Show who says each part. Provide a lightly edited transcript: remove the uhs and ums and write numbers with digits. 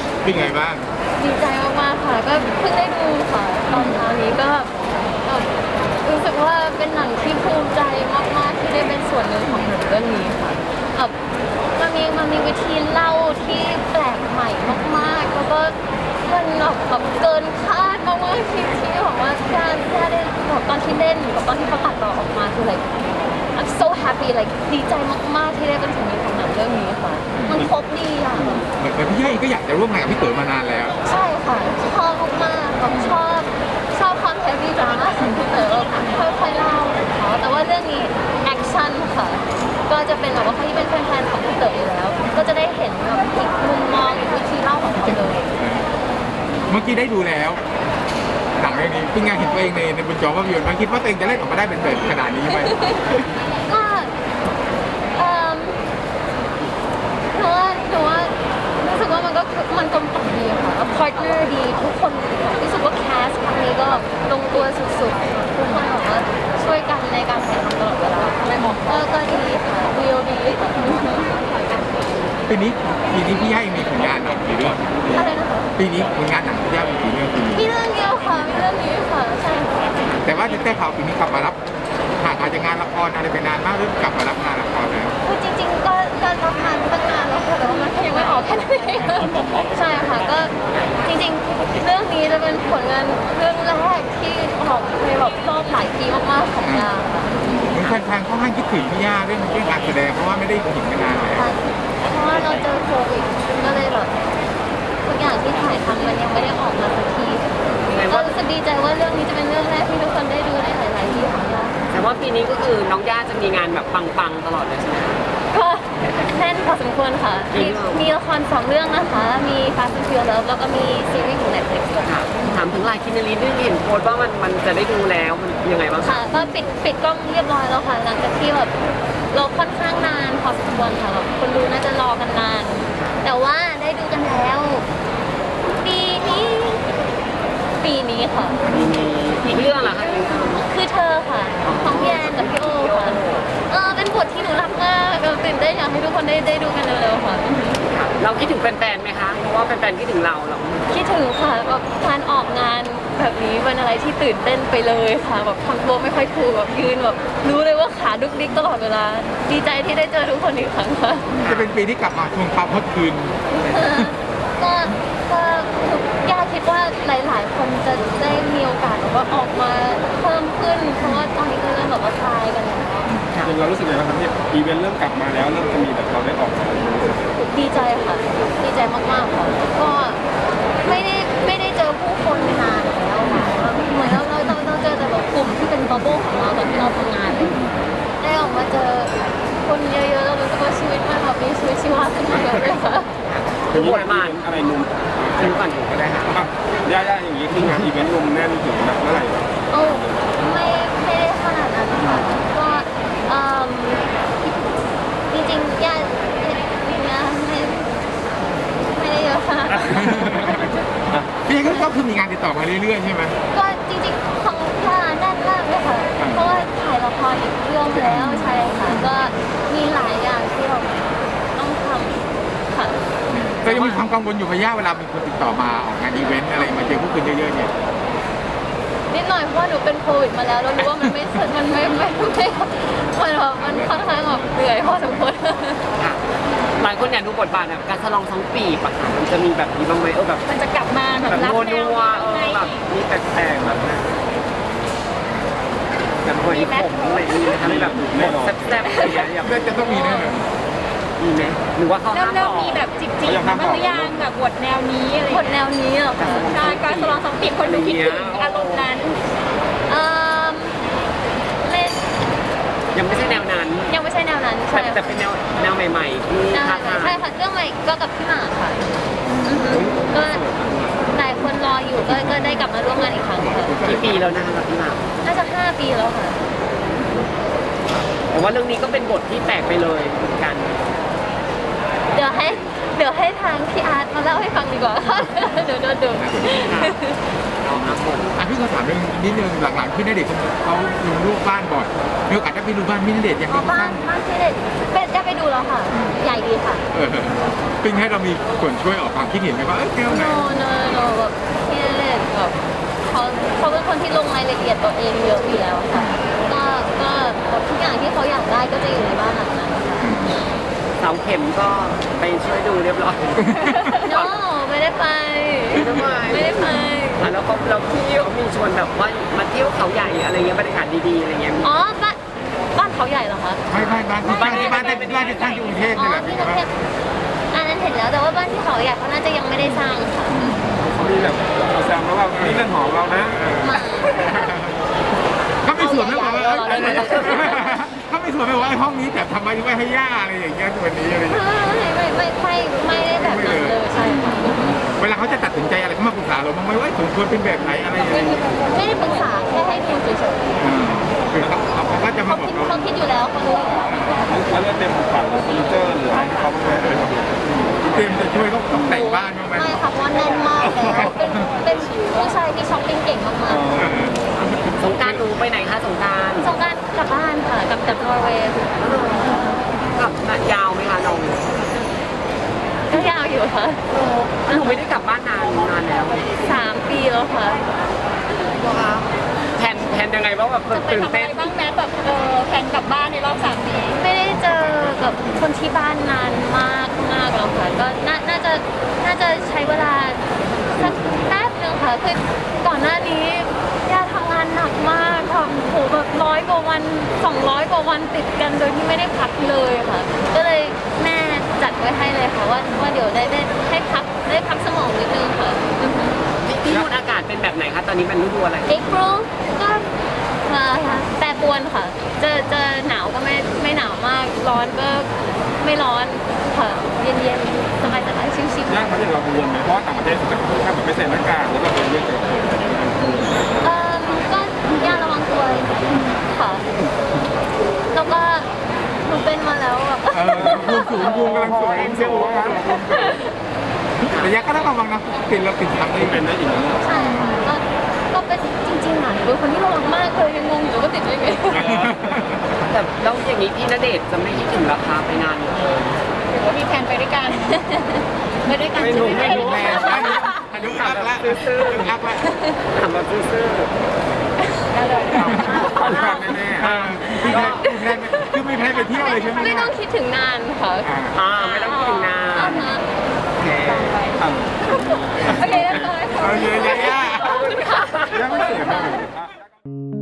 Speaker 1: เป็นไงบ้าง
Speaker 2: ดีใจมากๆค่ะก็เพิ่งได้ดูค่ะตอนเช้านี้ก็แบบรู้สึกว่าเป็นหนังที่ภูมิใจมากๆที่ได้เป็นส่วนหนึ่งของหนังเรื่องนี้ค่ะแบบมันมีวิธีเล่าที่แปลกใหม่มากๆแล้วก็มันแบบเกินคาดมากๆที่บอกว่าแค่ได้แบบตอนที่เล่นกับตอนที่ประกาศต่อออกมาคือ like I'm so happy like ดีใจมากๆที่ได้เป็นส่วนหนึ่งของหนังเรื่องนี้ค่ะมันครบดีอ่ะ
Speaker 1: เหมือนพี่ย่าก็อยากจะร่วมงานกับพี่เต๋อมานานแล้ว
Speaker 2: ใช่ค่ะชอบมากๆแบบชอบความเฮฟวี่ดราม่าของพี่เต๋อค่อยๆเล่าของเขาแต่ว่าเรื่องนี้แอคชั่นค่ะก็จะเป็นแบบว่าใครที่เป็นแฟนๆของพี่เต๋ออยู่แล้วก็จะได้เห็นแบบอีกมุมมองอีกวิธีเล่าของเขาเลย
Speaker 1: เมื่อกี้ได้ดูแล้วหนังเรื่องนี้เป็นไงเห็นตัวเองในบนจอภาพยนตร์มันคิดว่าตัวเองจะเล่นออกมาได้เป็นแบบขนาดนี้ไหม
Speaker 2: ก็หนูว่ารู้สึกว่ามันกลมกล่อมดีค่ะพาร์ทเนอร์ดีทุกคนรู้สึกว่าแคสครั้งนี้ก็ลงตัวสุดๆทุกคนบอกว่าช่วยกันในการถ่ายทำตลอดเวลาก็ดีค่ะวิวดีค่ะ
Speaker 1: ปีนี้พี่ย่ามีผลงานหนังกี่เรื่อง
Speaker 2: อะไรนะคะ
Speaker 1: ปีนี้ผลงานหนังพี่ย่ามีกี่เรื่องปีนี้
Speaker 2: มีเรื่องเดียวค่ะมีเรื่องนี้ค่ะใช่ค่ะ
Speaker 1: แต่ว่าแต่ข่าวปีนี้กลับมารับห่างอาจจะงานละครอะไรไปนานมากหรือกลับมารับงานละครแล้ว
Speaker 2: คือจริงๆก็รับงานตั้งนานแล้วค่ะแต่ว่ามันยังไม่ออกแค่นั้นเองใช่ค่ะก็จริงๆเรื่องนี้จะเป็นผลงานเรื่องแรกที่ออกในแบบรอบหลายปีมากๆของยาค่ะ
Speaker 1: แฟนๆค่อนข้างคิดถึงพี่ย่าเรื่องการแสดงเพราะว่าไม่ได้เห็นมานานแล้ว
Speaker 2: เพราะว่าเราเจอโควิดก็เลยแบบทุกอย่างที่ถ่ายทำมันยังไม่ได้ออกมาสักทีก็รู้สึกดีใจว่าเรื่องนี้จะเป็นเรื่องแรกที่ทุกคนได้ดูในหลายๆที่ของเรา
Speaker 3: แต่ว่าปีนี้ก็คือน้องย่าจะมีงานแบบปังๆตลอดเลยใช่ไหม
Speaker 2: ก็แน่นพอสมควรค่ะมีละคร2เรื่องนะคะมี Fast and Furious แล้วก็มีซีรีส์ของ Netflix ค่ะ
Speaker 3: ถามถึงลายคินนารีด้วยเห็นโพสต์ว่ามันจะได้ดูแล้วมันยังไงบ้าง
Speaker 2: ค่ะก็ปิดกล้องเรียบร้อยแล้วค่ะหลังจากที่แบบเราค่อนข้างนานพอสมควรค่ะแบบคนดูน่าจะรอกันนานแต่ว่าได้ดูกันแล้วปีนี้ค่ะ
Speaker 3: อีกเรื่องเหรอคะ
Speaker 2: คือเธอค่ะของพี่แอนกับพี่โอค่ะเป็นบทที่หนูรักมากตื่นเต้นอยากให้ทุกคนได้ดูกันเร็วๆค่ะ
Speaker 3: เราคิดถึงแฟนๆไหมคะเพราะว่าแฟนๆคิดถึงเราหรอ
Speaker 2: คิดถึงค่ะแบบการออกงานแบบนี้เป็นอะไรที่ตื่นเต้นไปเลยค่ะแบบทำตัวไม่ค่อยถูกแบบยืนแบบรู้เลยว่าขาดุกดิกตลอดเวลาดีใจที่ได้เจอทุกคนอีกครั้งค่ะ
Speaker 1: จะเป็นปีที่กลับมาทวงความฮอตคืน
Speaker 2: ก็ย่าคิดว่าหลายๆคนจะได้มีโอกาสแบบว่าออกมาเพิ่มขึ้นเพราะว่าตอนนี้ก็เริ่มแบบว่าทายกันแล้ว
Speaker 1: เรารู้สึกยังไงบ้างครับที่อีเวนต์เริ่มกลับมาแล้วเริ่มจะมีแบบเราได้ออกมา
Speaker 2: ดีใจค่ะดีใจมากๆค่ะก็ไม่ได้เจอผู้คนนานแล้วค่ะเหมือนเราเจอแต่แบบกลุ่มที่เป็นบับเบิ้ลของเราตอนที่เราทำงานได้ออกมาเจอคนเยอะๆเรารู้สึกว่าชีวิตมันแบบมีชีวิตชีวาขึ้นมาเยอะเลยค่ะ
Speaker 3: คือบทบาทอะไรนุ่มถึงก่อนอยู่ก็ได้ค่ะ
Speaker 1: ย่าอย่างนี้คืองานอีเวนต์ลมแน่นถึงแบบเมื่อไหร่
Speaker 2: โอ้ไม่ได้ขนาดนั้นค่ะก็จริงๆย่าไม่ได้เยอะค่ะ
Speaker 1: พี่ก็คือมีงานติดต่อมาเรื่อยๆใช่ไหม
Speaker 2: ก็จริงๆของย่าแน่นมากเลยค่ะเพราะว่าถ่ายละครอีกเรื่องแล้วใช่ค่ะก็มีหลายอย่างที่เราต้องทำค่ะ
Speaker 1: แต่ยังมีความกังวลอยู่พะย่าเวลามีคนติดต่อมาออกงานอีเวนต์อะไรมาเจอผู้คนเยอะๆเนี่ย
Speaker 2: นิดหน่อยเพราะว่าหนูเป็นโควิดมาแล้วเรารู้ว่ามันไม่มันค่อนข้างแบบเหนื่อยพอสมควร
Speaker 3: หลายคนอยากดูบทบาทแบบการสลองสองปีปะคะมันจะมีแบบนี้บ้างไหมแบบ
Speaker 2: มันจะกลับมาแบบ
Speaker 3: นัวแบบมีแปลกๆแบบนั้นแบบคนที่ผมอะไรนี้ทำให้แบบแซ่บๆอะไรอย่างเงี้ย
Speaker 1: จะต้องมีแน่เลย
Speaker 3: มีไหมหรือว่าเขาห้ามบอก
Speaker 2: มีแบบจิบบ้างหรือยังแบบบทแนวนี้อะไรบทแนวนี้เหรอคะใช่การสลองสองปีคนดูคิดถึงอารมณ์นั้น
Speaker 3: ยังไม่ใช่แนวนั้น
Speaker 2: ใช่
Speaker 3: แต่เป็นแนวใหม่ๆที่ท้าทาย
Speaker 2: ใช่ค่ะเรื่องใหม่ก็กับพี่หมากค่ะก็หลายคนรออยู่ก็ได้กลับมาร่วมงานอีกครั้งค่ะ
Speaker 3: กี่ปีแล้วนะคะกับพี่หมาก
Speaker 2: น่าจะ5 ปีแล้วค่ะ
Speaker 3: แต่ว่าเรื่องนี้ก็เป็นบทที่แปลกไปเลยกัน
Speaker 2: เดี๋ยวให้ทางพี่อาร์ตมาเล่าให้ฟังดีกว่าค่ะเดี๋ยวโดน
Speaker 1: พี่ขอถามเรื่องนิดนึงหลังๆพี่ณเดชน์เขาลงรูปบ้านบ่อยมีโอกาสได้ไปดูบ้านพี่ณเดชน์ยังไง
Speaker 2: บ้านพี่ณเดชน์เป็นจะไปไปดูแล้วค่ะ ใหญ่ดีค่ะ
Speaker 1: ปิ้งให้เรามีส่วนช่วยออกความคิดเห็นไหมว่าแก้วไหน
Speaker 2: no แบบพี่เล็กแบบเขาเป็นคนที่ลงรายละเอียดตัวเองเยอะอยู่แล้วค่ะ ก็แบบทุกอย่างที่เขาอยากได้ก็จะอยู่ในบ้านหลังนั้นค่ะ
Speaker 3: เสาเข็มก็ไปช่วยดูเรียบร้อย
Speaker 2: no ไม่ได้ไป ไม่ได้ไป
Speaker 3: แล้วก็เราพี่เขามีชวนแบบว่ามาเที่ยวเขาใหญ่อะไรเงี้ยบรรยากาศดีๆอะไรเงี้ย
Speaker 2: อ๋อบ้านเขาใหญ่เหรอคะ
Speaker 1: ไม่บ้านที่ตั้งอยู่กรุงเทพ
Speaker 2: อ๋
Speaker 1: นี่
Speaker 2: อ
Speaker 1: แหละ
Speaker 2: ที่
Speaker 1: พี่
Speaker 2: กรุงเทพอันนั้นเห็นแล้วแต่ว่าบ้านที่เขาใหญ่เขาน่าจะยังไม่ได้สร้างค่ะ
Speaker 4: เขามีแบบแซมแล้วว่านี่เรื่องของเรานะ
Speaker 2: มา
Speaker 1: เขาไม่สวนไม่บอกว่าเขาไม่สวนไม่บอกว่าห้องนี้แต่ทำไมไว้ให้ย่าอะไรอย่างเงี้ยวันนี้อะไรอย่างเงี้ย
Speaker 2: ไม่ได้แบบนั้นเลยใช่ค่ะ
Speaker 1: เวลาเขาจะตัดสินใจอะไรเขามาปรึกษาเราบ้างไหมว่าสมควรเป็นแบบไหนอะไรอย่างเงี้ย
Speaker 2: ไม่ได้ปรึกษาแค่ให้ดูเฉย
Speaker 1: คือเขาก็จะ
Speaker 2: ๆ
Speaker 1: มา
Speaker 2: เขา
Speaker 1: บอกเรา
Speaker 2: คิดอยู่แล้วเขารู้อยู่แล้ว
Speaker 4: แล้วเรื่องเต็มของขวัญหรือเฟอร์นิเจอร์หรืออะไรที่เขาไม่ได้เลย
Speaker 1: เตรียมจะช่วยเขาตกแต่งบ้านบ้างไหม
Speaker 2: ไม่ค่ะเพราะว่าแน่นมากแล้วเป็นผู้ชายที่ช้อปปิ้งเก่งมาก
Speaker 3: สงกรารหนูไปไหนคะสงกราร
Speaker 2: ๆสงกรานต์กลับบ้านค่ะกลับจากนอร์เวย์
Speaker 3: กลับยาวไหมคะน้อง
Speaker 2: ก็ยาวอยู่ค่ะ
Speaker 3: หนูไม่ได้กลับบ้านนานแล้ว
Speaker 2: 3 ปีแล้วค่ะ
Speaker 3: แผนยังไงบ้างแบบตื่นเต้น
Speaker 2: บ้างแม้แบบแผนกลับบ้านในรอบ3 ปีไม่ได้เจอกับคนที่บ้านนานมากแล้วค่ะก็น่าจะใช้เวลาสักแป๊บนึงค่ะคือก่อนหน้านี้ย่าทำงานหนักมากทำโหแบบ100 กว่าวัน200 กว่าวันติดกันโดยที่ไม่ได้พักเลยค่ะ ก็เลยแม่จัดไว้ให้เลยค่ะว่าเดี๋ยวได้ให้พักสมองนิดนึงค่ะ
Speaker 3: ที่นู่นอากาศเป็นแบบไหนคะตอนนี้มันฤดูอะไร
Speaker 2: April ก็แปรปรวนค่ะเจอหนาวก็ไม่หนาวมากร้อนก็ไม่ร้อนค่ะเย็นๆสบายๆชิวๆ
Speaker 4: ยากไหมอย่างเรากังวลไหมเพราะว่าต่างประเทศจะค่อนข้างแบบไม่ใส่หน้ากากแล้วก็เป็นเรื่องเกี่ยวกับ
Speaker 2: ก็ย่าระวังตัวค่ะ แล้วก็หนูเป็นมาแล้วแบบ
Speaker 1: ภูมิกำลังสูงเซลล์ครับแต่ยักษ์ก็ต้องระวังนะติดเราติดทำได้
Speaker 4: เป็นได้อีกนะ
Speaker 2: ใช่ค่ะก็เป็นจริงๆอ่ะเป็นคนที่ระวังมากเลยยังงงอยู่ว่าติดได้ไง
Speaker 3: แต่แล้วอย่างนี้พี่ณเดชน์จะไม่คิดถึงราคาไปนานเลย
Speaker 2: หรือว่ามีแผนไปด้วยกันไปด้วยกัน
Speaker 3: ไม่รู้ไม่รู้
Speaker 1: แม่อันนี้อัพละอัพละ
Speaker 3: ถามแบบซื่อ
Speaker 1: อัพละแน่ๆคือไม่แพ้ไปเที่ยวเลยใช่ไหม
Speaker 2: ไม่ต้องคิดถึงนานค่ะ
Speaker 3: ไม่ต้องคิดถึงนาน
Speaker 2: อ่าฮะ
Speaker 1: โอเค
Speaker 2: โอเคเรียบร้อยค่ะ
Speaker 1: โอเคยาย่า
Speaker 2: ขอบคุณค่ะ
Speaker 4: ยังไม่เสร็จเลย